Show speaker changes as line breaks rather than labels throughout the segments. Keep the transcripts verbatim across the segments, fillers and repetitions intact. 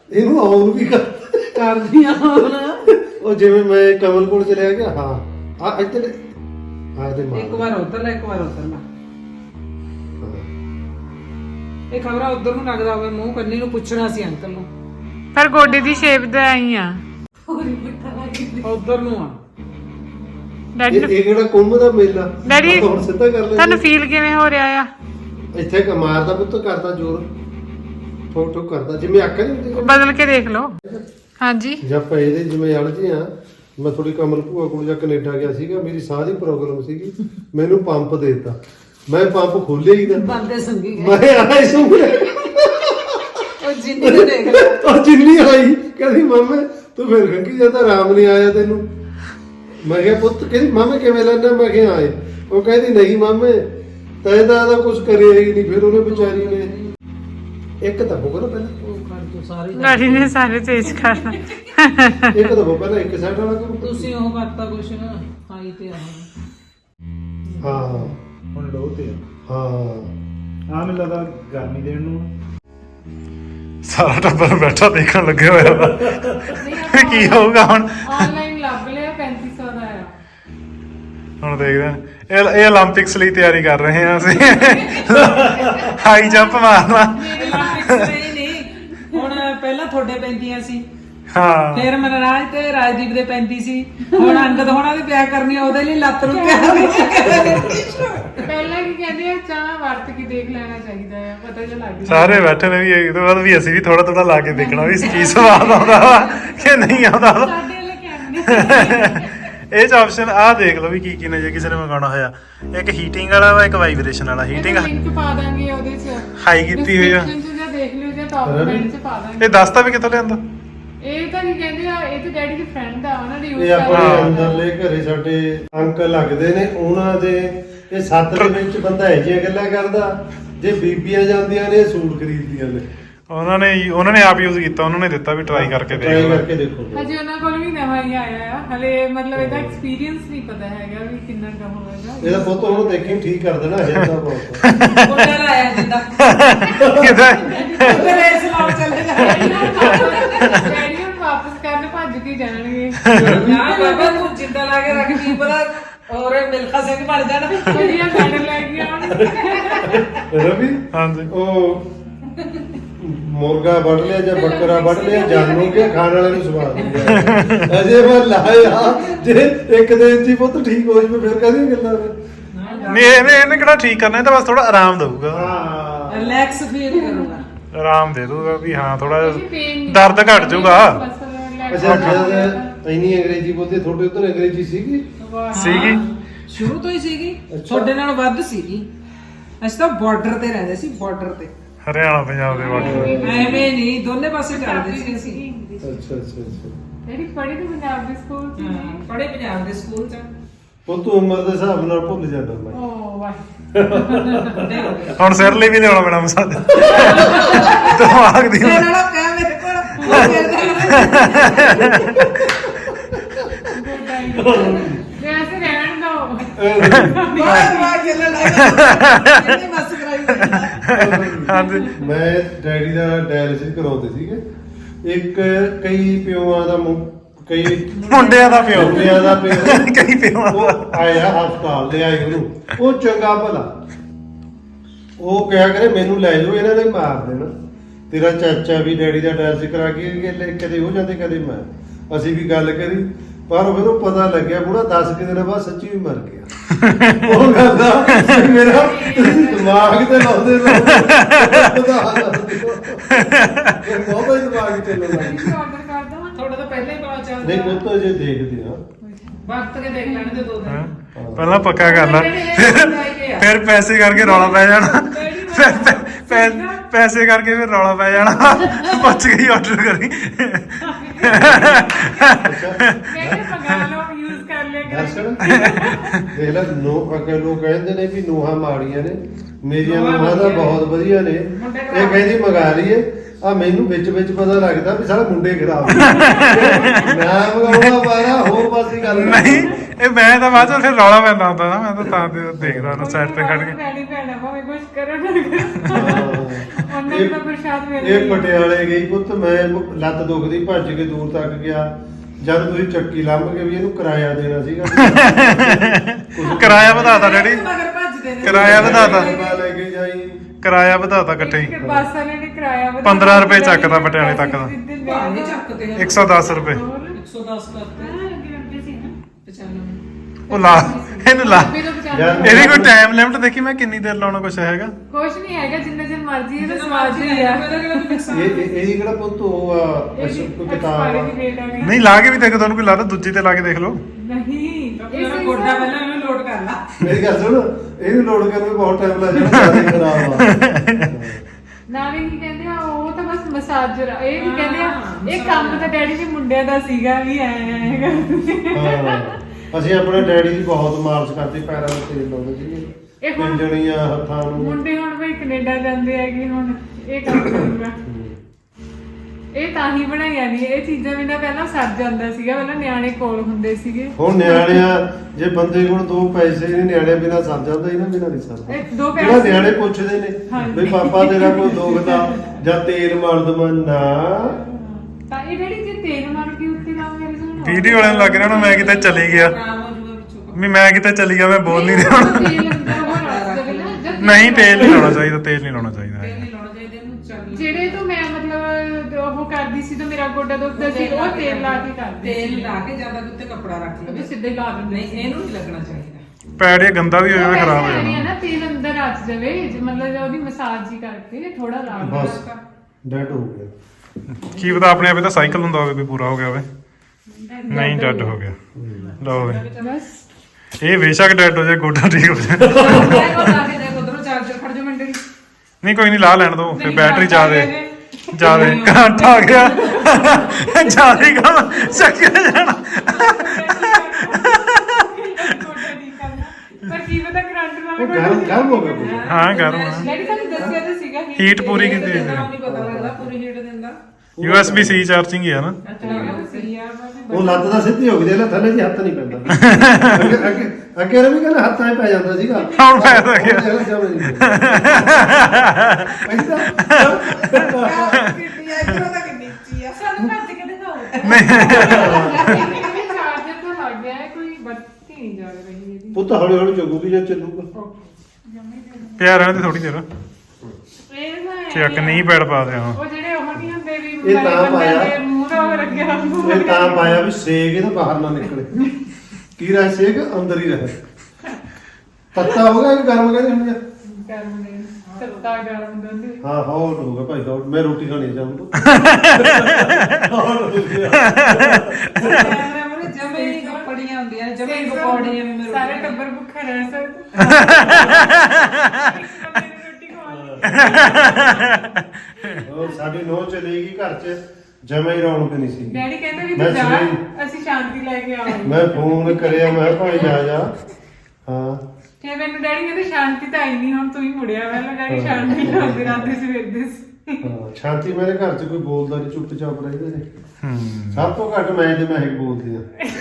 ਇਹਨੂੰ ਆਉਣ ਵੀ ਕਰ
ਕਰਦੀਆਂ ਹੁਣ
ਉਹ ਜਿਵੇਂ ਮੈਂ ਕਮਲ ਕੋਲ ਚਲਿਆ ਗਿਆ ਹਾਂ ਆ ਇੱਧਰ ਆ ਤੇ ਮਾਰ
ਇੱਕ ਵਾਰ ਉਧਰ ਲੈ ਇੱਕ ਵਾਰ ਉਧਰ ਲਾ ਇਹ ਖਬਰਾਂ ਉਧਰ ਨੂੰ ਲੱਗਦਾ ਹੋਵੇ ਮੂੰਹ ਕੰਨੀ ਨੂੰ ਪੁੱਛਣਾ ਸੀ ਅੰਕਲ ਨੂੰ
ਪਰ ਗੋਡੇ ਦੀ ਸ਼ੇਪ ਦਾ ਆਈ ਆ
ਉਧਰ ਨੂੰ ਆ
ਡੈਡੀ
ਇਹ
ਨੂੰ-
ਇਹ ਕਿਹੜਾ ਕੁੰਭ ਦਾ ਮੇਲਾ
ਡੈਡੀ
ਹੁਣ ਸਿੱਧਾ ਕਰ ਲੈ
ਤੁਹਾਨੂੰ ਫੀਲ ਕਿਵੇਂ ਹੋ ਰਿਹਾ ਆ
ਇੱਥੇ ਕ ਮਾਰਦਾ ਪੁੱਤ ਕਰਦਾ ਜ਼ੋਰ ਠੋਕ ਠੋਕ ਕਰਦਾ ਜਿਵੇਂ ਅੱਖ ਨਹੀਂ ਹੁੰਦੀ
ਬਦਲ ਕੇ ਦੇਖ ਲਓ ਹਾਂਜੀ
ਜਦ ਆਪਾਂ ਇਹਦੇ ਜਿਵੇਂ ਅੜਦੇ ਆ ਮੈਂ ਥੋੜੀ ਕਮਲ ਭੂਆ ਕੋਲ ਜਾ ਕੈਨੇਡਾ ਗਿਆ ਸੀਗਾ ਮੇਰੀ ਸਾਹ ਦੀ ਪ੍ਰੋਬਲਮ ਸੀਗੀ ਮੈਨੂੰ ਪੰਪ ਦੇ ਦਿੱਤਾ ਮੈਂ ਪੰਪ ਖੋਲਿਆ ਹੀ ਨਾ
ਬੰਦੇ ਸੰਗੀ ਗਏ
ਮੈਂ ਆਇਆ ਸੁਣ
ਉਹ ਜਿੰਨੀ ਨੂੰ ਦੇਖ ਲੈ
ਉਹ ਜਿੰਨੀ ਆਈ ਕਹਿੰਦੀ ਮਾਮੇ ਤੂੰ ਫਿਰ ਖੰਗੀ ਜਾਂਦਾ ਆਰਾਮ ਨਹੀਂ ਆਇਆ ਤੈਨੂੰ ਮੈਂ ਕਿਹਾ ਪੁੱਤ ਕਹਿੰਦੀ ਮਾਮੇ ਕਿਵੇਂ ਲੈਣਾ ਮੈਂ ਕਿਹਾ ਆਏ ਉਹ ਕਹਿੰਦੀ ਨਹੀਂ ਮਾਮੇ ਤੈਨੂੰ ਤਾਂ ਕੁਝ ਕਰਿਆ ਹੀ ਨਹੀਂ ਫਿਰ ਉਹਨੇ ਵਿਚਾਰੀ ਨੇ ਇੱਕ ਤਾਂ ਬੋਗਰ ਪਹਿਲਾਂ
ਉਹ ਕਰ ਤੂੰ ਸਾਰੇ
ਡੈਡੀ ਨੇ ਸਾਰੇ ਚੇਂਜ ਕਰਨਾ
ਇੱਕ ਤਾਂ ਬੋ ਪਹਿਲਾਂ ਇੱਕ ਸਾਈਡ ਵਾਲਾ ਕਰੋ
ਤੁਸੀਂ ਉਹ ਕਰਤਾ ਕੁਛ ਨਾ ਹਾਈ ਤੇ ਆ
ਹਾਂ
ਹੁਣ ਲੋ ਤੇ
ਹਾਂ
ਆ ਮੈਨੂੰ ਲੱਗਾ ਗਰਮੀ ਦੇਣ ਨੂੰ
ਸਾਰਾ ਟੱਬਰ ਬੈਠਾ ਦੇਖਣ ਲੱਗਿਆ ਹੋਇਆ ਵਾ ਕੀ ਹੋਊਗਾ ਹੁਣ
ਆਨਲਾਈਨ ਲੱਭ ਲਿਆ ਪੈਂਤੀ ਸੌ ਦਾ ਆ
ਹੁਣ ਦੇਖਦੇ ਹਾਂ ਇਹ ਇਹ 올림픽ਸ ਲਈ ਤਿਆਰੀ ਕਰ ਰਹੇ ਹਾਂ ਅਸੀਂ ਹਾਈ ਜੰਪ ਮਾਰਨਾ
ਨਹੀਂ ਨਹੀਂ ਹੁਣ ਪਹਿਲਾਂ ਤੁਹਾਡੇ ਪੈਂਦੀਆਂ ਸੀ
ਹਾਂ
ਫਿਰ ਮਨਰਾਜ ਤੇ ਰਾਜਦੀਪ ਦੇ ਪੈਂਦੀ ਸੀ ਹੁਣ ਅੰਗਦ ਹੋਣਾ ਦੀ ਪਿਆ ਕਰਨੀ ਆ, ਉਹਦੇ ਲਈ ਲੱਤ ਨੂੰ ਪਿਆ
ਪਹਿਲਾਂ ਕੀ ਕਹਿੰਦੇ ਆ ਚਾਹ ਵਰਤ ਕੇ ਦੇਖ ਲੈਣਾ ਚਾਹੀਦਾ ਆ ਪਤਾ ਜਿਹਾ ਲੱਗ
ਸਾਰੇ ਬੈਠੇ ਨੇ ਵੀ ਇਹ ਤੋਂ ਬਾਅਦ ਵੀ ਅਸੀਂ ਵੀ ਥੋੜਾ ਥੋੜਾ ਲਾ ਕੇ ਦੇਖਣਾ ਵੀ ਕੀ ਸਵਾਦ ਆਉਂਦਾ ਵਾ ਕਿ ਨਹੀਂ ਆਉਂਦਾ ਵਾ।
ਸਾਡੇ ਵਾਲੇ ਕੈਮਰੇ
ਇਹ ਚ ਆਪਸ਼ਨ ਆ ਦੇਖ ਲਓ ਵੀ ਕੀ ਕੀ ਨੇ ਜੇ ਕਿਸੇ ਨੇ ਮੰਗਾਉਣਾ ਹੋਇਆ ਇੱਕ ਹੀਟਿੰਗ ਵਾਲਾ ਵਾ ਇੱਕ ਵਾਈਬ੍ਰੇਸ਼ਨ ਵਾਲਾ ਹੀਟਿੰਗ
ਲਿੰਕ ਪਾ ਦਾਂਗੇ ਉਹਦੇ ਚ
ਹਾਈ ਕੀਤੀ ਹੋਈ ਆ
Description ਚ ਜਾਂ ਦੇਖ ਲਿਓ ਜਾਂ ਟੌਪ ਕਮੈਂਟ ਚ ਪਾ ਦਾਂਗੇ
ਇਹ ਦੱਸਦਾ ਵੀ ਕਿੱਥੋਂ ਲਿਆਂਦਾ
ਇਹ ਤਾਂ ਕੀ ਕਹਿੰਦੇ ਆ ਇਹ ਤਾਂ ਡੈਡੀ ਦੀ ਫਰੈਂਡ ਆ ਉਹਨਾਂ ਨੇ ਯੂਜ਼
ਇਹ ਆਪਣੇ ਅੰਦਰਲੇ ਘਰੇ ਸਾਡੇ ਅੰਕਲ ਲੱਗਦੇ ਨੇ ਉਹਨਾਂ ਦੇ ਇਹ ਸੱਤ ਦੇ ਵਿੱਚ ਬੰਦਾ ਇਹ ਜਿਹੀਆਂ ਗੱਲਾਂ ਕਰਦਾ ਜੇ ਬੀਬੀਆਂ ਜਾਂਦੀਆਂ ਨੇ ਸੂਟ ਖਰੀਦਦੀਆਂ ਨੇ
ਉਹਨਾਂ ਨੇ ਉਹਨਾਂ ਨੇ ਆਪ ਯੂਜ਼ ਕੀਤਾ ਉਹਨਾਂ ਨੇ ਦਿੱਤਾ ਵੀ ਟਰਾਈ ਕਰਕੇ ਦੇਖ
ਟਰਾਈ
ਲਓ
ਕਰਕੇ ਦੇਖੋ
ਹਜੇ ਉਹਨਾਂ ਕੋਲ ਵੀ ਨਵਾਂ ਹੀ ਆਇਆ ਆ ਹਲੇ ਮਤਲਬ ਇਹਦਾ ਐਕਸਪੀਰੀਅੰਸ ਨਹੀਂ ਪਤਾ ਹੈਗਾ ਵੀ ਕਿੰਨਾ ਕੁ ਹੋਵੇਗਾ
ਇਹਦਾ ਪੁੱਤ ਉਹਨੂੰ ਦੇਖੀ ਠੀਕ ਕਰ ਦੇਣਾ ਹਜੇ ਤਾਂ ਬਹੁਤ
ਉਹਦਾ ਲਾਇਆ ਜਿੱਦਾਂ
ਕਿਤੇ
ਉਹਦੇ ਰੇਸ ਲਾਉ ਚੱਲੇ
ਡੈਡੀ ਹੁਣ ਵਾਪਸ ਕਰਨ ਭੱਜ ਕੇ ਜਾਣਗੇ
ਨਾ ਬਾਬਾ ਤੂੰ ਜਿੱਦਾਂ ਲਾ ਕੇ ਰੱਖ ਕੀ ਪਤਾ ਔਰ ਮਿਲਖਾ ਸਿੰਘ ਬਣ ਜਾਣਾ
ਵਧੀਆ ਮੈਡਲ ਲੈ ਕੇ ਆਉਣ
ਰਵੀ
ਹਾਂਜੀ
ਉਹ ਮੁਰਗਾ ਵੱਢ ਲਿਆ ਜਾਂ ਬੱਕਰਾ ਵੱਢ ਲਿਆ ਜਾਣੂ ਕਿ ਖਾਣ ਵਾਲੇ ਨੂੰ ਸਵਾਦ ਨਹੀਂ ਆਇਆ ਅਜੇ ਮੈਂ ਲਾਇਆ ਜੇ ਇੱਕ ਦਿਨ ਚ ਪੁੱਤ ਠੀਕ ਹੋ ਜਵੇ ਫਿਰ ਕਾਹਦੀਆਂ ਗੱਲਾਂ ਨੇ
ਨਹੀਂ ਇਹਨੇ ਇਹਨੇ ਕਿਹੜਾ ਠੀਕ ਕਰਨਾ ਇਹ ਤਾਂ ਬਸ ਥੋੜਾ ਆਰਾਮ ਦਊਗਾ
ਹਾਂ
ਰਿਲੈਕਸ ਫੀਲ ਕਰੂਗਾ
ਆਰਾਮ ਦੇ ਦੂਗਾ ਵੀ ਹਾਂ ਥੋੜਾ ਦਰਦ ਘਟ ਜਾਊਗਾ
ਅੱਛਾ ਜਦ ਇੰਨੀ ਅੰਗਰੇਜ਼ੀ ਬੋਲਦੇ ਤੁਹਾਡੇ ਉੱਧਰ ਅੰਗਰੇਜ਼ੀ ਸੀਗੀ
ਸੀਗੀ
ਸ਼ੁਰੂ ਤੋਂ ਹੀ ਸੀਗੀ ਤੁਹਾਡੇ ਨਾਲ ਵੱਧ ਸੀਗੀ ਅਸੀਂ ਤਾਂ ਬਾਰਡਰ ਤੇ ਰਹਿੰਦੇ ਸੀ ਬਾਰਡਰ ਤੇ
ਹਰਿਆਣਾ ਪੰਜਾਬ ਦੇ ਬਾਰਡਰ
ਐਵੇਂ ਨਹੀਂ ਦੋਨੇ ਪਾਸੇ ਚੱਲਦੇ ਸੀ ਅਸੀਂ
ਅੱਛਾ ਅੱਛਾ ਅੱਛਾ
ਡੈਡੀ ਪੜ੍ਹੀ ਤੇ ਪੰਜਾਬ ਦੇ ਸਕੂਲ ਚ ਨਹੀਂ
ਪੜੇ ਪੰਜਾਬ ਦੇ ਸਕੂਲ ਚ
ਉਹ ਤੂੰ ਉਮਰ ਦੇ ਹਿਸਾਬ ਨਾਲ ਭੁੱਲ ਜਾਂਦਾ ਮੈਂ
ਓ ਵਾਹ
ਹੁਣ ਸਿਰ ਲਈ ਵੀ ਲਿਆਉਣਾ ਪੈਣਾ ਮਸਾਜ ਦਿਮਾਗ ਦੀ
ਤੇਰੇ ਨਾਲ ਪਿਆ ਮੇਰੇ ਕੋਲ
ਵੈਸੇ ਰਹਿਣ ਦੋ
ਬਾਹਰ ਬਾਹਰ ਚੱਲਣ ਲੱਗਾ ਇਹਨੇ ਮਸ ਕਰਾਈ
ਹਾਂਜੀ
ਮੈਂ ਡੈਡੀ ਦਾ ਡਾਇਲਿਸਿਸ ਕਰਾਉਂਦੇ ਸੀਗੇ ਇੱਕ ਕਈ ਪਿਓਆਂ ਦਾ ਮੁੰ- ਕਈ
ਮੁੰਡਿਆਂ ਦਾ ਪਿਓ
ਮੁੰਡਿਆਂ ਦਾ ਪਿਓ
ਕਈ ਪਿਓ
ਉਹ ਆਇਆ ਹਸਪਤਾਲ ਲੈ ਆਈ ਉਹਨੂੰ ਉਹ ਚੰਗਾ ਭਲਾ ਉਹ ਕਿਹਾ ਕਰੇ ਮੈਨੂੰ ਲੈ ਜਾਓ ਇਹਨਾਂ ਨੇ ਮਾਰ ਦੇਣਾ ਤੇਰਾ ਚਾਚਾ ਵੀ ਡੈਡੀ ਦਾ ਡਾਇਲਿਸਿਸ ਕਰਾ ਕੇ ਕਦੇ ਹੋ ਜਾਂਦੇ ਕਦੇ ਮੈਂ ਅਸੀਂ ਵੀ ਗੱਲ ਕਰੀ ਪਰ ਫਿਰ ਉਹ ਪਤਾ ਲੱਗਿਆ ਬੁੜਾ ਦਸ ਕਿ ਦਿਨ ਬਾਅਦ ਸੱਚੀ ਵੀ ਮਰ ਗਿਆ ਉਹ ਕਹਿੰਦਾ ਮੇਰਾ ਦਿਮਾਗ ਤੇ ਲਾਉਂਦੇ ਲਾਉਂਦੇ ਬਹੁਤ ਦਿਮਾਗ ਤੇ ਲਾਉਂਦੇ
ਆਰਡਰ ਕਰ ਦਵਾਂ
ਤੁਹਾਡਾ ਤਾਂ ਪਹਿਲਾਂ ਹੀ ਬੜਾ ਚੱਲਦਾ
ਨਹੀਂ ਉਹ ਤਾਂ ਜੇ ਦੇਖਦੇ ਆ
ਵਕਤ ਕੇ ਦੇਖ ਲੈਣ ਦੇ ਦੋ ਦਿਨ
ਪਹਿਲਾਂ ਪੱਕਾ ਕਰ ਲਾ ਫਿਰ ਪੈਸੇ ਕਰਕੇ ਰੌਲਾ ਪੈ ਜਾਣਾ ਫਿਰ ਪੈ- ਪੈ- ਪੈਸੇ ਕਰਕੇ ਫਿਰ ਰੌਲਾ ਪੈ ਜਾਣਾ ਪੁੱਛ ਗਈ ਆਰਡਰ ਕਰੀ
ਕਹਿੰਦੇ ਮੰਗਾ ਲਓ ਯੂਜ਼ ਕਰ ਲਿਆ ਕਰ
ਦਰਸ਼ਨ ਦੇਖ ਲੈ ਨੋ ਅਕੇ ਲੋਕ ਕਹਿੰਦੇ ਨੇ ਵੀ ਨੂਹਾਂ ਮਾੜੀਆਂ ਨੇ ਮੇਰੀਆਂ ਨੂਹਾਂ ਤਾਂ ਬਹੁਤ ਵਧੀਆ ਨੇ ਇਹ ਕਹਿੰਦੀ ਮੰਗਾ ਲਈਏ ਆ ਮੈਨੂੰ ਵਿੱਚ ਵਿੱਚ ਪਤਾ ਲੱਗਦਾ ਵੀ ਸਾਰਾ ਮੁੰਡੇ ਖਰਾਬ ਨੇ ਨਾ ਮਗਾਉਣਾ ਪਾਰਾ ਹੋਰ ਪਾਸੇ ਗੱਲ
ਨਹੀਂ ਇਹ ਮੈਂ ਤਾਂ ਬਾਅਦ ਚ ਫਿਰ ਰੌਲਾ ਪੈਂਦਾ ਹੁੰਦਾ ਨਾ ਮੈਂ ਤਾਂ ਤਾਂ ਦੇ- ਦੇਖਦਾ ਉਹਨੂੰ ਸਾਈਡ ਤੇ ਖੜ ਕੇ
ਭੈਣੀ ਭੈਣਾ ਭਾਵੇਂ ਕੁਝ ਕਰੋ ਨਾ ਕਰੋ ਉਹਨਾਂ ਦਾ ਪ੍ਰਸ਼ਾਦ ਮਿਲ
ਇਹ ਪਟਿਆਲੇ ਗਈ ਪੁੱਤ ਮੈਂ ਲੱਤ ਦੁਖਦੀ ਭੱਜ ਕੇ ਦੂਰ ਤੱਕ ਗਿਆ ਜਦ ਤੁਸੀਂ ਚੱਕੀ ਲੰਘ ਕੇ ਵੀ ਇਹਨੂੰ ਕਿਰਾਇਆ ਦੇਣਾ ਸੀਗਾ
ਕਿਰਾਇਆ ਵਧਾਤਾ ਡੈਡੀ
ਮਗਰ ਭੱਜਦੇ ਨੇ
ਕਿਰਾਇਆ ਵਧਾਤਾ
ਮੈਂ ਲੈ ਕੇ ਜਾਈ
ਕਿਰਾਇਆ ਵਧਾਤਾ ਇਕੱਠੇ ਹੀ
ਇੱਕ ਬੱਸ ਵਾਲੇ ਨੇ ਕਿਰਾਇਆ ਵਧਾ
ਪੰਦਰਾਂ ਰੁਪਏ ਚੱਕਦਾ ਪਟਿਆਲੇ ਤੱਕ ਦਾ।
ਭਾਵੇਂ ਚੱਕਦੇ ਆ
ਇੱਕ ਸੌ ਦਸ ਰੁਪਏ
ਇੱਕ ਸੌ ਦਸ ਕਰਤੇ ਪਚਾਨਵੇਂ
ਉਹ ਲਾ ਇਹਨੂੰ ਲਾ
ਯਾਰ
ਇਹਦੀ ਕੋਈ ਟਾਈਮ ਲਿਮਟ ਦੇਖੀ ਮੈਂ ਕਿੰਨੀ ਦੇਰ ਲਾਉਣਾ ਕੁਛ ਹੈਗਾ
ਕੁਛ ਨਹੀਂ ਹੈਗਾ ਜਿੰਨਾ ਚਿਰ ਮਰਜ਼ੀ ਇਹਦਾ
ਜਦੋਂ
ਸਵਾਦ
ਮਰਜ਼ੀ
ਹੀ ਆ
ਆ
ਇਹ ਇਹ- ਇਹਦੀ ਕਿਹੜਾ ਪੁੱਤ ਉਹ ਆ ਅਸ਼ੋਕ ਕੋਈ ਕਿਤਾਬ ਆ
ਨਹੀਂ ਲਾ ਕੇ ਵੀ ਦੇਖ ਤੁਹਾਨੂੰ ਕੋਈ ਲੱਗਦਾ ਦੂਜੀ ਤੇ ਲਾ ਕੇ ਦੇਖ ਲਓ
ਨਹੀਂ
ਇਹਦਾ ਗੋਡਾ ਪਹਿਲਾਂ ਇਹਨੂੰ ਲੋਡ ਕਰ ਲਾ
ਮੇਰੀ ਗੱਲ ਸੁਣ ਇਹਨੂੰ ਲੋਡ ਕਰਨ ਨੂੰ ਬਹੁਤ ਟਾਈਮ ਲੱਗ ਜਾਣਾ ਜਿਆਦਾ ਖਰਾਬ ਆ
ਨਾਲੇ ਕੀ ਕਹਿੰਦੇ ਆ ਉਹ ਤਾਂ ਬਸ ਮਸਾਜਰ ਆ। ਇਹ ਵੀ ਕਹਿੰਦੇ ਆ ਇਹ ਕੰਮ ਤਾਂ ਡੈਡੀ ਦੇ ਮੁੰਡਿਆਂ ਦਾ ਸੀਗਾ ਵੀ ਐ ਹੈਗਾ
ਹਾਂ ਅਸੀਂ ਆਪਣੇ ਡੈਡੀ ਦੀ ਬਹੁਤ ਮਾਲਸ਼ ਕਰਦੇ ਪੈਰਾਂ ਨੂੰ ਤੇਲ ਲਾਉਂਦੇ ਸੀਗੇ
ਇਹ ਹੁਣ-
ਪਿੰਜਣੀਆਂ ਹੱਥਾਂ ਨੂੰ
ਮੁੰਡੇ ਹੁਣ ਵੀ ਕੈਨੇਡਾ ਜਾਂਦੇ ਹੈਗੇ ਹੁਣ ਇਹ ਕੰਮ ਕਰੂਗਾ ਇਹ ਤਾਂ ਹੀ ਬਣਾਈਆਂ ਨਹੀਂ ਇਹ ਚੀਜ਼ਾਂ ਬਿਨਾਂ ਪਹਿਲਾਂ ਸਰ ਜਾਂਦਾ ਸੀਗਾ ਪਹਿਲਾਂ ਨਿਆਣੇ ਕੋਲ ਹੁੰਦੇ ਸੀਗੇ
ਹੁਣ ਨਿਆਣਿਆਂ ਜੇ ਬੰਦੇ ਕੋਲ ਦੋ ਪੈਸੇ ਨੇ ਨਿਆਣੇ ਬਿਨਾ ਸਰ ਜਾਂਦਾ ਇਹਨਾਂ ਬਿਨਾ ਨਹੀਂ ਸਰਦਾ
ਇਹ ਦੋ
ਜਿਹੜਾ
ਪੈਸੇ
ਨਿਆਣੇ ਪੁੱਛਦੇ ਨੇ
ਹਾਂਜੀ।
ਵੀ ਪਾਪਾ ਤੇਰਾ ਕੋਈ ਦੁਖਦਾ ਜਾਂ ਤੇਲ ਮਲ ਦਵਾਂ ਨਾ
ਤਾਂ ਇਹ ਜਿਹੜੀ ਜੇ ਤੇਲ ਮਾਰ ਕੇ ਉੱਤੇ ਲਾਉਂ ਮੇਰੇ ਸੁਣ
ਵੀਡੀਓ ਵਾਲਿਆਂ ਨੂੰ ਲੱਗ ਰਿਹਾ ਹੁਣ ਮੈਂ ਕਿਤੇ ਚਲੀ ਗਿਆ
ਖਰਾਬ ਹੋ ਜੂਗਾ ਵਿੱਚੋਂ
ਵੀ ਮੈਂ ਕਿਤੇ ਚਲੀ ਗਿਆ ਮੈਂ ਬੋਲ ਨਹੀਂ ਰਿਹਾ ਹੁਣ
ਤੇਲ ਅੰਦਰ ਉਹ ਰਸ ਦੇਵੇ ਨਾ ਜਦ
ਨਹੀਂ ਤੇਲ ਨਹੀਂ ਲਾਉਣਾ ਚਾਹੀਦਾ ਤੇਲ ਨਹੀਂ ਲਾਉਣਾ ਚਾਹੀਦਾ
ਤੇਲ ਨਹੀਂ ਲਾਉਣਾ ਚਾਹੀਦਾ ਇਹਨੂੰ ਚੱਲ
ਜਿਹੜੇ ਤੋਂ ਮੈਂ ਮਤਲਬ ਉਹ ਕਰਦੀ ਸੀ ਤਾਂ ਮੇਰਾ ਗੋਡਾ ਦੁਖਦਾ ਸੀ ਉਹ ਤੇਲ ਲਾ ਕੇ ਕਰਦੀ
ਤੇਲ ਲਾ ਕੇ ਜਿਆਦਾ ਉੱਤੇ ਕੱਪੜਾ ਰੱਖ
ਉਹ ਵੀ
ਲਓ
ਸਿੱਧੇ ਲਾ ਦਿੰਦੇ
ਨਹੀਂ ਇਹਨੂੰ ਨਹੀਂ ਲੱਗਣਾ ਚਾਹੀਦਾ
ਪੈਰ ਇਹ ਗੰਦਾ ਵੀ ਹੋ ਜਾਣਾ ਖਰਾਬ ਹੋ
ਉਹ
ਜਾਣਾ
ਨਾ ਤੇਲ ਅੰਦਰ ਆ ਜਾਵੇ ਜੇ ਮਤਲਬ ਉਹਦੀ ਮਸਾਜ ਜੀ ਕਰਕੇ ਥੋੜਾ ਲਾ ਦਿਓ।
ਬਸ ਡੈਡ ਹੋ ਗਿਆ
ਕੀ ਪਤਾ ਆਪਣੇ ਆਪੇ ਤਾਂ ਸਾਈਕਲ ਹੁੰਦਾ ਹੋਵੇ ਕੋਈ ਪੂਰਾ ਹੋ ਗਿਆ ਹੋਵੇ ਨਹੀਂ ਡੈਡ ਹੋ ਗਿਆ ਲਓ ਵੀ
ਬਸ
ਇਹ ਬੇਸ਼ੱਕ ਡੈਡ ਹੋ ਜਾਏ ਗੋਡਾ ਠੀਕ ਹੋ ਜਾਏ
ਉਹ ਲਾ ਕੇ ਦੇਖ ਉਧਰੋਂ ਚਾਰਜਰ ਖੜ ਜਾ ਮਿੰਟ ਦੀ
ਨਹੀਂ ਕੋਈ ਨਹੀਂ ਲਾ ਲੈਣ ਦੋ ਫਿਰ ਬੈਟਰੀ ਜ਼ਿਆਦੇ ਜ਼ਿਆਦੇ ਘੱਟ ਆ ਗਿਆ ਜ਼ਿਆਦੇ ਕੰਮ ਚੱਕਿਆ ਜਾਣਾ
ਪਰ ਕੀ ਪਤਾ ਕਰੰਟ ਨਾਲ
ਉਹ ਗਰਮ ਗਰਮ ਹੋ ਗਿਆ ਪੁੱਤ।
ਹਾਂ ਗਰਮ ਆ
ਡੈਡੀ ਤੁਹਾਨੂੰ ਦੱਸਿਆ ਤਾਂ ਸੀਗਾ
ਹੀਟ ਪੂਰੀ ਕੀਤੀ ਹੋਈ
ਦਿੰਦਾ
ਹੈ
ਨਹੀਂ ਪਤਾ ਲੱਗਦਾ ਪੂਰੀ ਹੀਟ ਦਿੰਦਾ
U S B C charging ਹੀ ਆ ਨਾ
ਸਹੀ ਆ ਬਸ
ਉਹ ਲੱਤ ਦਾ ਸਿੱਧੀ ਹੋ ਗਈ ਦੇ ਥੱਲੇ ਜੀ ਹੱਥ ਨਹੀਂ ਪੈਂਦਾ ਅੱਗੇ ਅੱਗੇ ਅੱਗੇ ਰਵੀ ਕਹਿੰਦਾ ਹੱਥਾਂ 'ਚ ਪੈ ਜਾਂਦਾ ਸੀਗਾ
ਹੁਣ ਪੈ ਤਾਂ ਗਿਆ।
ਹੁਣ ਦੇਖ ਲੈ ਜਮਾਂ ਨਹੀਂ ਪੈਂਦਾ।
ਕਿੰਨੀ ਆ ਇਧਰੋਂ ਤਾਂ ਕਿੰਨੀ ਉੱਚੀ ਆ
ਸਾਨੂੰ ਭੱਜ ਕੇ ਦਿਖਾਓ
ਨਹੀਂ
ਚਾਰਜਰ ਤਾਂ ਲੱਗ ਗਿਆ ਹੈ, ਕੋਈ ਬੱਤੀ ਨਹੀਂ ਜਾ ਰਹੀ ਇਹਦੀ
ਪੁੱਤ ਹੌਲੀ ਹੌਲੀ ਚੱਲੂਗੀ ਜਾਂ ਚੱਲੂਗਾ
ਪਿਆ ਰਹਿਣ ਦੇ ਥੋੜੀ ਦੇਰ
ਇਹ ਨਾ
ਚੱਕ ਨਹੀਂ ਪੈੜ ਪਾ ਦਿਆਂ
ਉਹ ਜਿਹੜੇ ਉਹ ਨਹੀਂ ਹੁੰਦੇ ਵੀ
ਇਹ ਤਾਂ
ਬੰਦੇ
ਪਾਇਆ।
ਦੇ ਮੂੰਹ ਦਾ ਉਹ ਰੱਖਿਆ ਮੂੰਹ
ਇਹ ਤਾਂ ਪਾਇਆ ਵੀ ਸੇਕ ਇਹਦਾ ਬਾਹਰ ਨਾ ਨਿਕਲੇ ਕੀ ਰਹਿ ਸੇਕ ਅੰਦਰ ਹੀ ਰਹੇ ਤੱਤਾ ਹੋ ਗਿਆ ਕਿ ਗਰਮ ਕਹਿੰਦੇ ਹੁੰਦੇ ਆ
ਗਰਮ ਨੇ ਤੱਤਾ ਗਰਮ ਦੁੱਧ
ਹਾਂ ਹੌਟ ਹੋ ਗਿਆ ਭਾਈ ਹੌਟ ਮੈਂ ਰੋਟੀ ਖਾਣੀ ਜਾਉਂ ਤੋਂ ਹੌਟ ਹੋ ਗਿਆ
ਕੈਮਰਾ ਮਰੇ ਜਮੇ ਹੀ ਕੱਪੜੀਆਂ ਹੁੰਦੀਆਂ ਨੇ ਜਮੇ ਹੀ ਪਕੌੜੀਆਂ ਵੀ ਮੇਰੇ
ਸਾਰੇ ਟੱਬਰ ਭੁੱਖਾ ਰਹਿ ਸਕਦਾ ਰੋਟੀ ਖਵਾ
ਉਹ ਸਾਡੀ ਨੋਹ ਚਲੇਗੀ ਘਰ 'ਚ ਜਮਾ ਹੀ ਰੌਣਕ ਨਹੀਂ ਸੀ
ਡੈਡੀ ਕਹਿੰਦੇ ਵੀ
ਮੈਂ
ਤੂੰ ਜਾ
ਸਵੇਰੇ-
ਅਸੀਂ ਸ਼ਾਂਤੀ ਲੈ ਕੇ ਆਵਾਂਗੇ
ਮੈਂ ਫੋਨ ਕਰਿਆ ਮੈਂ ਕਿਹਾ ਭਾਈ ਜਾ ਜਾ ਹਾਂ
ਤੇ ਮੈਨੂੰ ਡੈਡੀ ਕਹਿੰਦੇ ਸ਼ਾਂਤੀ ਤਾਂ ਆਈ ਨਹੀਂ ਹੁਣ ਤੂੰ ਹੀ ਮੁੜਿਆ ਪਹਿਲਾਂ ਡੈਡੀ ਸ਼ਾਂਤੀ ਲਾਉਂਦੇ ਰਾਤੇ ਸਵੇਰ ਦੇ ਸੀ।
ਹਾਂ, ਸ਼ਾਂਤੀ ਮੇਰੇ ਘਰ 'ਚ ਕੋਈ ਬੋਲਦਾ ਨਹੀਂ ਚੁੱਪਚਾਪ ਰਹਿੰਦੇ ਨੇ
ਹੂੰ
ਸਭ ਤੋਂ ਘੱਟ ਮੈਂ ਤੇ ਮਹਿਕ ਬੋਲਦੀ ਆ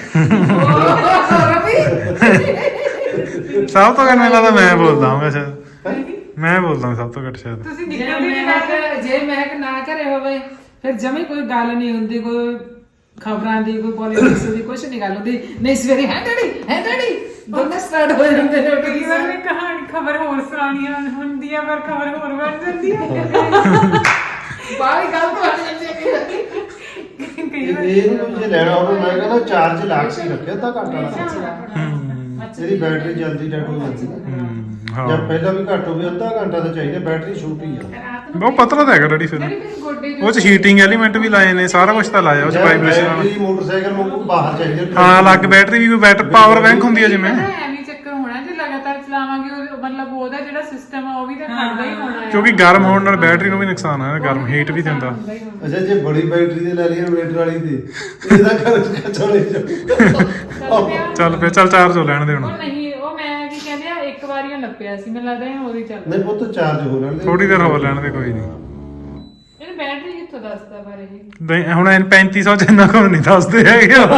ਸਭ ਤੋਂ ਘੱਟ ਮੈਨੂੰ ਲੱਗਦਾ ਮੈਂ ਬੋਲਦਾ ਹਾਂ ਸ਼ਾਇਦ ਮੈਂ ਬੋਲਦਾ ਹਾਂ ਸਭ ਤੋਂ ਘੱਟ ਸ਼ਾਇਦ
ਤੁਸੀਂ
ਜੇ
ਨਿਕਲਦੇ ਨਹੀਂ ਬਾਹਰ
ਮਹਿਕ ਜੇ ਮਹਿਕ ਨਾ ਕਰੇ ਹੋਵੇ ਫਿਰ ਜਮੇ ਕੋਈ ਗੱਲ ਨਹੀਂ ਹੁੰਦੀ ਕੋਈ ਖਬਰਾਂ ਦੀ ਕੋਈ ਪੋਲਿਟਿਕਸ ਦੀ ਕੁਝ ਨਹੀਂ ਗੱਲ ਹੁੰਦੀ ਨਹੀਂ ਸਵੇਰੇ ਹੈ ਡੈਡੀ ਹੈ ਡੈਡੀ ਦੋਨੇ ਸਟਾਰਟ ਹੋ ਜਾਂਦੇ ਨੇ
ਕਈ ਵਾਰ ਮੈਂ ਕਹਾਣੀ ਖਬਰ ਹੋਰ ਸੁਣਾਉਣੀ ਹੁੰਦੀ ਆ ਪਰ ਖਬਰ ਹੋਰ ਬਣ ਜਾਂਦੀ ਹੈ
ਬਾਹਰ ਗੱਲ ਤੋਂ ਹਟ ਜਾਂਦੀ ਹੈ
ਕਈ
ਇਹ
ਵਾਰ
ਇਹਨੂੰ ਜੇ ਲੈਣਾ ਹੋਵੇ ਮੈਂ ਕਹਿੰਦਾ ਚਾਰਜ ਲਾ ਕੇ ਰੱਖਿਆ ਤਾਂ ਘੱਟ ਵਾਲਾ ਇਹਦੀ ਬੈਟਰੀ ਜਲਦੀ ਡੈਡ ਹੋ ਜਾਂਦੀ ਹੈ
ਹਾਂ
ਜਾਂ ਪਹਿਲਾਂ ਵੀ ਘੱਟ ਹੋਵੇ ਅੱਧਾ ਘੰਟਾ ਤਾਂ ਚਾਹੀਦਾ ਬੈਟਰੀ ਛੋਟੀ ਆ
ਬਹੁਤ ਪਤਲਾ ਤਾਂ ਹੈਗਾ ਡੈਡੀ ਫਿਰ
ਡੈਡੀ ਫਿਰ ਗੋਡੇ
ਉਹ ਚ ਹੀਟਿੰਗ ਐਲੀਮੈਂਟ ਵੀ ਲਾਏ ਨੇ ਸਾਰਾ ਕੁਝ ਤਾਂ ਲਾਇਆ ਉਹ ਚ ਵਾਈਬ੍ਰੇਸ਼ਨ ਵਾਲਾ
ਬੈਟਰੀ ਮੋਟਰਸਾਈਕਲ ਨੂੰ ਬਾਹਰ ਚਾਹੀਦਾ
ਹਾਂ ਅਲੱਗ ਬੈਟਰੀ ਵੀ ਕੋਈ ਬੈਟਰ ਪਾਵਰ ਬੈਂਕ ਹੁੰਦੀ ਹੈ ਜਿਵੇਂ
ਐਵੇਂ ਚੱਕਰ ਹੋਣਾ ਜੇ ਲਗਾਤਾਰ ਚਲਾਵਾਂਗੇ ਉਹ ਮਤਲਬ ਉਹਦਾ ਜਿਹੜਾ ਸਿਸਟਮ ਆ ਉਹ ਵੀ ਤਾਂ ਖੜਦਾ ਹੀ ਹੋਣਾ ਹੈ
ਕਿਉਂਕਿ ਗਰਮ ਹੋਣ ਨਾਲ ਬੈਟਰੀ ਨੂੰ ਵੀ ਨੁਕਸਾਨ ਆ ਗਰਮ ਹੀਟ ਵੀ ਦਿੰਦਾ
ਹੁੰਦਾ ਹੀ ਹੋਣਾ।
ਅੱਛਾ ਜੇ ਬੜੀ ਬੈਟਰੀ ਦੇ ਲੈ ਲਈ ਇਨਵੇਟਰ ਵਾਲੀ ਤੇ ਇਹਦਾ ਖਰਚ ਚਲੇ ਜਾ
ਚੱਲ ਪਿਆ।
ਚੱਲ ਫੇਰ ਚੱਲ ਚਾਰਜ ਹੋ ਲੈਣ ਦੇ ਹੁਣ
ਉਹ ਨਹੀਂ ਉਹ ਮੈਂ ਕੀ ਕਹਿੰਦੇ ਆ ਇੱਕ ਵਾਰੀ ਉਹ ਨੱਪਿਆ ਸੀ ਮੈਨੂੰ ਲੱਗਦਾ ਇਹ ਉਹਦੀ ਚੱਲ
ਨਹੀਂ ਪੁੱਤ ਚਾਰਜ ਹੋ ਲੈਣ ਦੇ
ਥੋੜੀ ਦੇਰ ਹੋ ਲੈਣ ਦੇ ਕੋਈ ਨਹੀਂ
ਇਹਨੂੰ ਬੈਟਰੀ ਕਿੱਥੋਂ ਦੱਸਦਾ ਬਾਰੇ ਇਹ
ਨਹੀਂ, ਹੁਣ ਪੈਂਤੀ ਸੌ ਚ ਇੰਨਾ ਕੁ ਨਹੀਂ ਦੱਸਦੇ ਹੈਗੇ ਉਹ।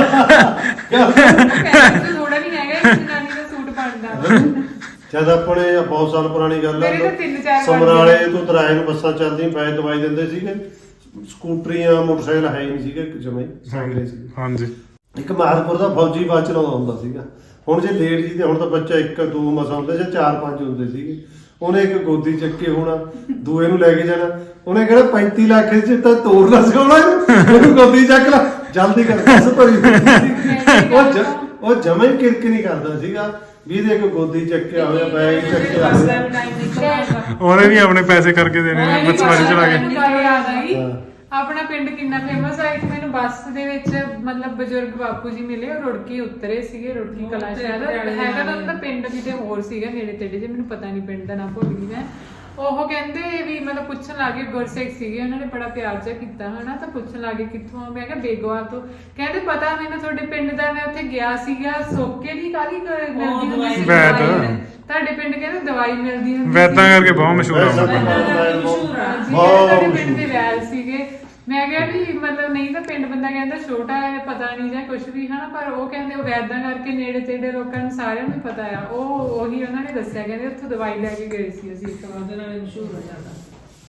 ਪੈਸੇ ਥੋੜਾ ਨਹੀਂ ਹੈਗਾ ਇਸ ਜਨਾਨੀ ਦਾ ਸੂਟ ਬਣਦਾ
ਜਦ ਆਪਣੇ ਬਹੁਤ ਸਾਲ ਪੁਰਾਣੀ ਗੱਲ
ਮੇਰੇ ਤਾਂ ਤਿੰਨ ਚਾਰ ਵਾਰ
ਸਮਰਾਲੇ ਤੋਂ ਤਰਾਏ ਨੂੰ ਬੱਸਾਂ ਚੱਲਦੀਆਂ ਪੈ ਦਵਾਈ ਦਿੰਦੇ ਸੀਗੇ ਸਕੂਟਰੀਆਂ ਮੋਟਰਸਾਈਕਲ ਹੈ ਹੀ ਨਹੀਂ ਸੀਗੇ ਜਮੇ ਸਾਈਕਲੇ ਸੀ
ਹਾਂਜੀ
ਇੱਕ ਮਾਦਪੁਰ ਦਾ ਫੌਜੀ ਬਾਅਦ ਚਲਾਉਂਦਾ ਹੁੰਦਾ ਸੀਗਾ ਹੁਣ ਜੇ ਲੇਟ ਜੀ ਤੇ ਹੁਣ ਤਾਂ ਬੱਚਾ ਇੱਕ ਦੋ ਮਸਾ ਹੁੰਦੇ ਜਾਂ ਚਾਰ ਪੰਜ ਹੁੰਦੇ ਸੀਗੇ ਉਹਨੇ ਇੱਕ ਗੋਦੀ ਚੱਕੇ ਹੋਣਾ ਦੂਏ ਨੂੰ ਲੈ ਕੇ ਜਾਣਾ ਉਹਨੇ ਕਿਹੜਾ ਪੈਂਤੀ ਲੱਖ ਚ ਤਾਂ ਤੋੜਨਾ ਸੀ ਉਹਨੂੰ ਉਹਨੂੰ ਗੋਦੀ ਚੱਕ ਲਾ ਜਲਦੀ ਕਰ ਬਸ ਭਰੀ ਉਹ ਜ- ਉਹ ਜਮੇ ਕਿਰਕ ਨਹੀਂ ਕਰਦਾ ਸੀਗਾ ਵੀ ਇਹਦੇ ਇੱਕ ਗੋਦੀ ਚੱਕਿਆ ਹੋਇਆ ਬੈਗ ਚੱਕਿਆ
ਬਸ
ਹੋਇਆ
ਦਾ ਟਾਈਮ ਨਿਕਲ ਆਉਂਦਾ
ਉਹਨੇ ਵੀ ਆਪਣੇ ਪੈਸੇ ਕਰਕੇ ਦੇਣੇ ਨੇ ਬੱਸ ਵਾਰੀ ਚੜਾ ਕੇ
ਮੈਨੂੰ ਗੱਲ ਯਾਦ ਆਈ
ਹਾਂ।
ਆਪਣਾ ਪਿੰਡ ਕਿੰਨਾ ਫੇਮਸ ਹੈ ਇੱਕ ਮੈਨੂੰ ਬੱਸ ਦੇ ਵਿੱਚ ਮਤਲਬ ਬਜ਼ੁਰਗ ਬਾਪੂ ਜੀ ਮਿਲੇ ਉਹ ਰੁੜਕੀ ਉਤਰੇ ਸੀਗੇ ਰੁੜਕੀ ਕਲਾ ਸ਼ਾਇਦ ਹੈਗਾ ਤਾਂ ਉਹਦਾ ਪਿੰਡ ਕਿਤੇ ਹੋਰ ਸੀਗਾ ਨੇੜੇ ਤੇੜੇ ਜੇ ਮੈਨੂੰ ਪਤਾ ਨਹੀਂ ਪਿੰਡ ਦਾ ਨਾਮ ਭੁੱਲ ਗਈ ਮੈਂ ਉਹ ਕਹਿੰਦੇ ਵੀ ਮਤਲਬ ਪੁੱਛਣ ਲੱਗੇ ਗੁਰਸਿੱਖ ਸੀਗੇ ਉਹਨਾਂ ਨੇ ਬੜਾ ਪਿਆਰ ਜਿਹਾ ਕੀਤਾ ਹਨਾ ਤਾਂ ਪੁੱਛਣ ਲੱਗੇ ਕਿੱਥੋਂ ਆ? ਮੈਂ ਕਿਹਾ ਬੇਗਵਾ ਤੋਂ ਕਹਿੰਦੇ ਪਤਾ ਮੈਨੂੰ ਤੁਹਾਡੇ ਪਿੰਡ ਦਾ ਮੈਂ ਉੱਥੇ ਗਿਆ ਸੀਗਾ ਸੋਕੇ ਦੀ ਕਾਹਦੀ ਮਿਲਦੀ ਹੁੰਦੀ ਸੀ
ਵੈਦ।
ਦਵਾਈ। ਤੁਹਾਡੇ ਪਿੰਡ ਕਹਿੰਦੇ ਦਵਾਈ ਮਿਲਦੀ ਹੁੰਦੀ
ਵੈਦਾਂ ਕਰਕੇ ਬਹੁਤ ਮਸ਼ਹੂਰ ਆ
ਵੈਸਾ
ਉਹ।
ਬਹੁਤ
ਮਸ਼ਹੂਰ ਆ।
ਜੀ
ਬਹੁਤ
ਤੁਹਾਡੇ ਪਿੰਡ
ਮਸ਼ਹੂਰ।
ਦੇ ਵੈਲ ਸੀਗੇ ਮੈਂ ਕਿਹਾ ਵੀ ਮਤਲਬ ਨਹੀਂ ਤਾਂ ਪਿੰਡ ਬੰਦਾ ਕਹਿੰਦਾ ਛੋਟਾ ਹੈ ਪਤਾ ਨਹੀਂ ਜਾਂ ਕੁਝ ਵੀ ਹਨਾ ਪਰ ਉਹ ਕਹਿੰਦੇ ਉਹ ਵੈਦਾਂ ਕਰਕੇ ਨੇੜੇ ਤੇੜੇ ਲੋਕਾਂ ਨੂੰ ਸਾਰਿਆਂ ਨੂੰ ਪਤਾ ਆ ਉਹ ਉਹੀ ਉਹਨਾਂ ਨੇ ਦੱਸਿਆ ਕਹਿੰਦੇ ਉੱਥੋਂ ਦਵਾਈ ਲੈ ਕੇ ਗਏ ਸੀ ਅਸੀਂ ਇੱਕ ਵਾਰ
ਉਹਦੇ ਨਾਲ ਹੀ ਮਸ਼ਹੂਰ ਹੋ ਜਾਂਦਾ